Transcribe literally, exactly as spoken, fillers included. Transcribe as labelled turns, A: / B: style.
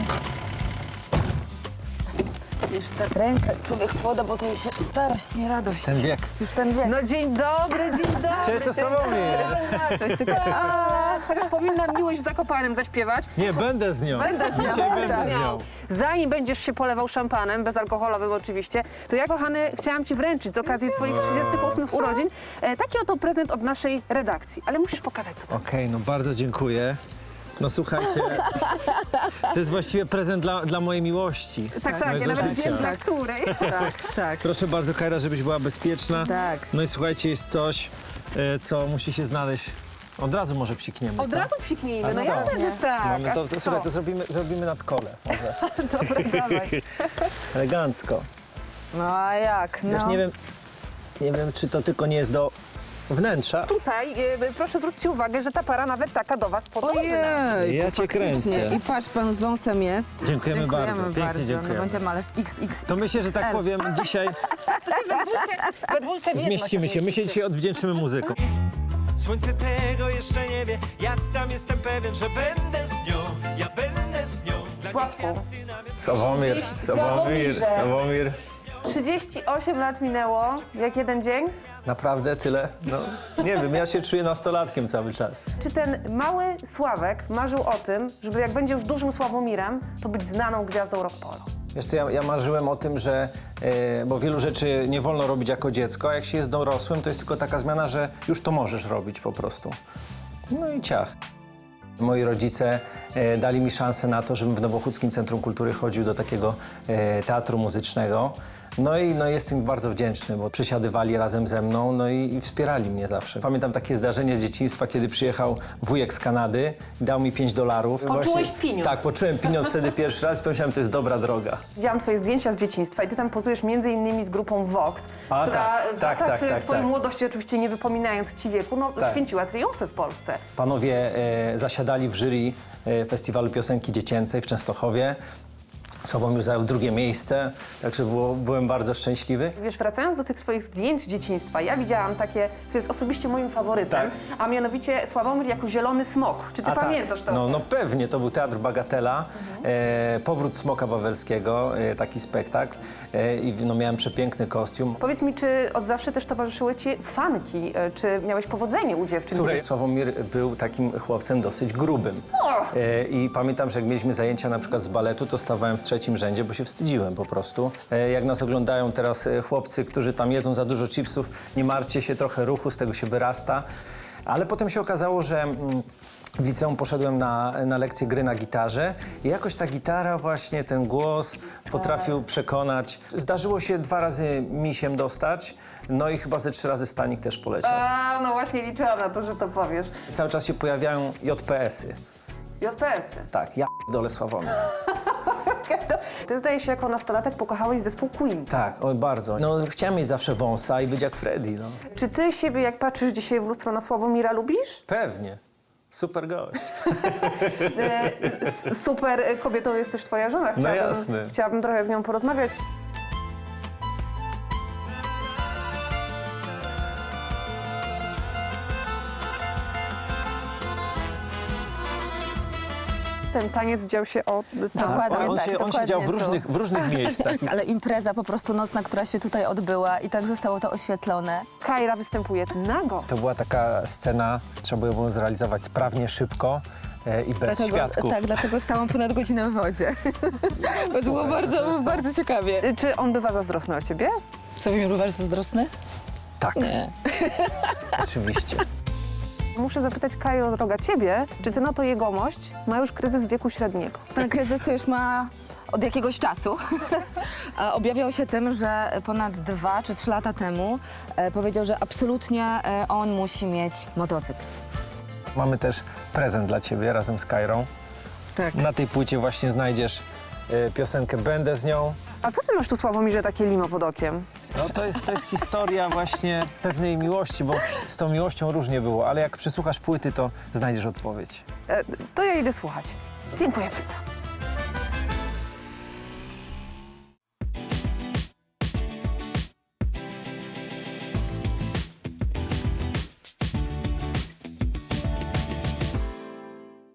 A: Już tak rękę człowiek poda, bo to jest starość, nie radość.
B: Ten wiek.
A: Już ten wiek.
C: No dzień dobry, dzień dobry.
B: Cześć, to Sławomir.
C: Cześć, tylko... A, chociaż powinnam miłość w Zakopanem zaśpiewać.
B: Nie, będę z nią.
A: Będę z nią.
B: Dzisiaj
A: Będę.
B: będę z nią.
C: Zanim będziesz się polewał szampanem, bezalkoholowym oczywiście, to ja, kochany, chciałam ci wręczyć z okazji twoich trzydziestych ósmych urodzin e, taki oto prezent od naszej redakcji. Ale musisz pokazać, co to.
B: Okej, no bardzo dziękuję. No słuchajcie, to jest właściwie prezent dla, dla mojej miłości.
C: Tak, tak, ja
B: mojego
C: nawet
B: życia.
C: wiem, dla której.
A: Tak, tak.
B: Proszę bardzo, Kajra, żebyś była bezpieczna.
A: Tak.
B: No i słuchajcie, jest coś, e, co musi się znaleźć. Od razu może psikniemy,
C: Od
B: co?
C: razu psiknijmy,
B: A
C: no
B: co?
C: jasne, że tak.
B: Mamy
C: A
B: to, to,
C: co?
B: słuchaj, to zrobimy, zrobimy nad kole. Może.
C: Dobra, dawaj.
B: Elegancko.
A: No a jak? No.
B: Wiesz, nie wiem, nie wiem, czy to tylko nie jest do wnętrza.
C: Tutaj e, proszę zwróćcie uwagę, że ta para nawet taka do was podobna.
A: Ojej.
B: Ja cię kręcę.
A: I patrz, pan z wąsem jest.
B: Dziękujemy bardzo, pięknie
A: bardzo.
B: dziękujemy.
A: No będziemy, ale z X X.
B: To myślę, że tak powiem, dzisiaj
C: We dwójkę w jedno
B: zmieścimy się. My się dzisiaj odwdzięczymy muzyką.
D: Słońce tego jeszcze nie wie, ja tam jestem pewien, że będę z nią, ja będę z nią. Dla
C: Łatwo.
D: kwiaty na wiosnę.
B: Sławomir, Sławomir,
C: Sławomir.
B: Sławomir.
C: trzydzieści osiem lat minęło, jak jeden dzień.
B: Naprawdę tyle? No, nie wiem, ja się czuję nastolatkiem cały czas.
C: Czy ten mały Sławek marzył o tym, żeby jak będzie już dużym Sławomirem, to być znaną gwiazdą rock polo?
B: Wiesz co, ja, ja marzyłem o tym, że, e, bo wielu rzeczy nie wolno robić jako dziecko, a jak się jest dorosłym, to jest tylko taka zmiana, że już to możesz robić po prostu. No i ciach. Moi rodzice e, dali mi szansę na to, żebym w Nowochódzkim Centrum Kultury chodził do takiego e, teatru muzycznego. No i no, jestem im bardzo wdzięczny, bo przysiadywali razem ze mną, no i, i wspierali mnie zawsze. Pamiętam takie zdarzenie z dzieciństwa, kiedy przyjechał wujek z Kanady i dał mi pięć dolarów.
C: Poczułeś pieniądz.
B: Tak, poczułem pieniądz wtedy pierwszy raz i pomyślałem, to jest dobra droga.
C: Widziałam twoje zdjęcia z dzieciństwa i ty tam pozujesz między innymi z grupą Vox,
B: A,
C: która
B: tak,
C: w
B: tak,
C: latach
B: tak, tak,
C: twojej
B: tak.
C: młodości, oczywiście nie wypominając ci wieku, no
B: Tak.
C: święciła triumfy w Polsce.
B: Panowie e, zasiadali w jury e, Festiwalu Piosenki Dziecięcej w Częstochowie. Sławomir zajął drugie miejsce, także było, byłem bardzo szczęśliwy.
C: Wiesz, wracając do tych twoich zdjęć z dzieciństwa, ja widziałam takie, które jest osobiście moim faworytem,
B: Tak.
C: a mianowicie Sławomir jako zielony smok. Czy ty
B: A
C: pamiętasz
B: tak,
C: to?
B: no, no pewnie, to był Teatr Bagatela, e, Powrót Smoka Wawelskiego, e, taki spektakl e, i no, miałem przepiękny kostium.
C: Powiedz mi, czy od zawsze też towarzyszyły ci fanki? E, Czy miałeś powodzenie u dziewczyn?
B: Słuchaj, Sławomir był takim chłopcem dosyć grubym.
C: O!
B: E, I pamiętam, że jak mieliśmy zajęcia na przykład z baletu, to stawałem w trzecim rzędzie, bo się wstydziłem po prostu. E, jak nas oglądają teraz e, chłopcy, którzy tam jedzą za dużo chipsów, nie martwcie się, trochę ruchu, z tego się wyrasta. Ale potem się okazało, że mm, w liceum poszedłem na, na lekcję gry na gitarze i jakoś ta gitara właśnie, ten głos potrafił przekonać. Zdarzyło się dwa razy misiem dostać, no i chyba ze trzy razy Stanik też poleciał.
C: A, no właśnie liczyłam na to, że to powiesz.
B: Cały czas się pojawiają J P S-y.
C: J P S-y.
B: Tak, ja dole Sławomir.
C: Ty zdaje się, jako nastolatek pokochałeś zespół Queen.
B: Tak, oj bardzo. No chciałem mieć zawsze wąsa i być jak Freddy, no.
C: Czy ty siebie, jak patrzysz dzisiaj w lustro na Sławomira, lubisz?
B: Pewnie. Super gość.
C: E, s- super kobietą jest też twoja żona.
B: No jasne.
C: Chciałabym trochę z nią porozmawiać. Ten taniec dział się o...
A: Dokładnie
B: on, on,
A: tak,
B: się, on
A: dokładnie
B: siedział w
A: tu.
B: różnych, w różnych miejscach.
A: Ale impreza po prostu nocna, która się tutaj odbyła i tak zostało to oświetlone.
C: Kajra występuje nago.
B: To była taka scena, trzeba było ją zrealizować sprawnie, szybko e, i bez świadków.
A: Tak, dlatego stałam ponad godzinę w wodzie. Bo to było bardzo, bardzo ciekawie.
C: Y, Czy on bywa zazdrosny o ciebie?
A: Sławomir był bardzo zazdrosny?
B: Tak, oczywiście.
C: Muszę zapytać Kajro, droga, ciebie, czy ty na to jegomość ma już kryzys wieku średniego?
A: Ten kryzys to już ma od jakiegoś czasu. A objawiał się tym, że ponad dwa czy trzy lata temu e, powiedział, że absolutnie e, on musi mieć motocykl.
B: Mamy też prezent dla ciebie razem z Kajrą.
A: Tak.
B: Na tej płycie właśnie znajdziesz e, piosenkę Będę z nią.
C: A co ty masz tu, Sławomirze, takie limo pod okiem?
B: No to jest, to jest historia właśnie pewnej miłości, bo z tą miłością różnie było, ale jak przysłuchasz płyty, to znajdziesz odpowiedź.
C: E, to ja idę słuchać. Dziękuję bardzo.